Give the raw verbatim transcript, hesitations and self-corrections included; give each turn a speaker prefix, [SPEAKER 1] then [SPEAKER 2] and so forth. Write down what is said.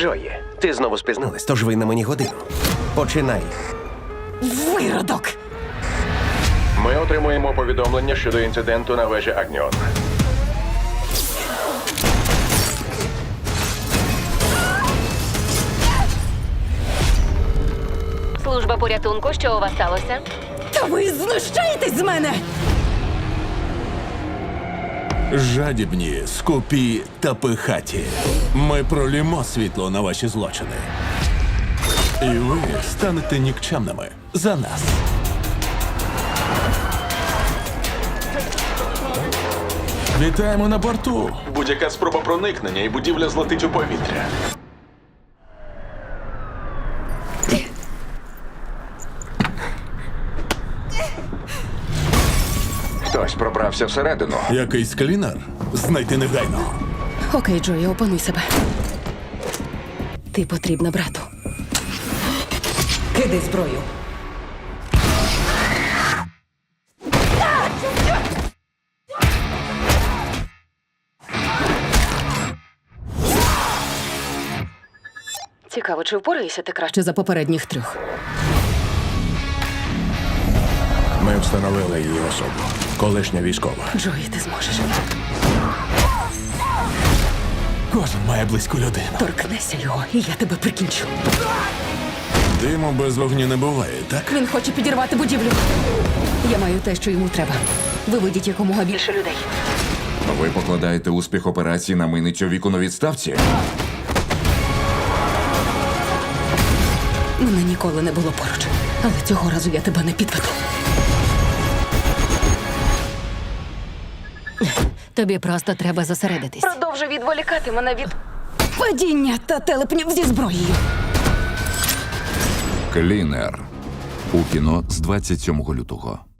[SPEAKER 1] Джої, ти знову спізнилась, тож ви на мені годину. Починай.
[SPEAKER 2] Виродок!
[SPEAKER 3] Ми отримуємо повідомлення щодо інциденту на вежі Агніон.
[SPEAKER 4] Служба порятунку, що у вас сталося?
[SPEAKER 2] Та ви знущаєтесь з мене!
[SPEAKER 5] Жадібні, скупі та пихаті. Ми пролімо світло на ваші злочини. І ви станете нікчемними за нас. Вітаємо на борту.
[SPEAKER 6] Будь-яка спроба проникнення і будівля злетить у повітря.
[SPEAKER 3] Хтось пробрався всередину.
[SPEAKER 5] Якийсь клінер? Знайти негайно.
[SPEAKER 2] Окей, Джої, опануй себе. Ти потрібна брату. Кидай зброю. Цікаво, чи впораєшся ти краще за попередніх трьох?
[SPEAKER 5] Ми встановили її особу. Колишня військова.
[SPEAKER 2] Джої, ти зможеш.
[SPEAKER 5] Кожен має близьку людину.
[SPEAKER 2] Торкнешся його, і я тебе прикінчу.
[SPEAKER 5] Диму без вогню не буває, так?
[SPEAKER 2] Він хоче підірвати будівлю. Я маю те, що йому треба. Виведіть якомога більше людей.
[SPEAKER 7] Ви покладаєте успіх операції на миницю віку на відставці?
[SPEAKER 2] Мене ніколи не було поруч. Але цього разу я тебе не підведу.
[SPEAKER 4] Тобі просто треба зосередитись.
[SPEAKER 2] Продовжуй відволікати мене від падіння та телепнів зі зброєю.
[SPEAKER 7] Клінер. У кіно з двадцять сьомого лютого.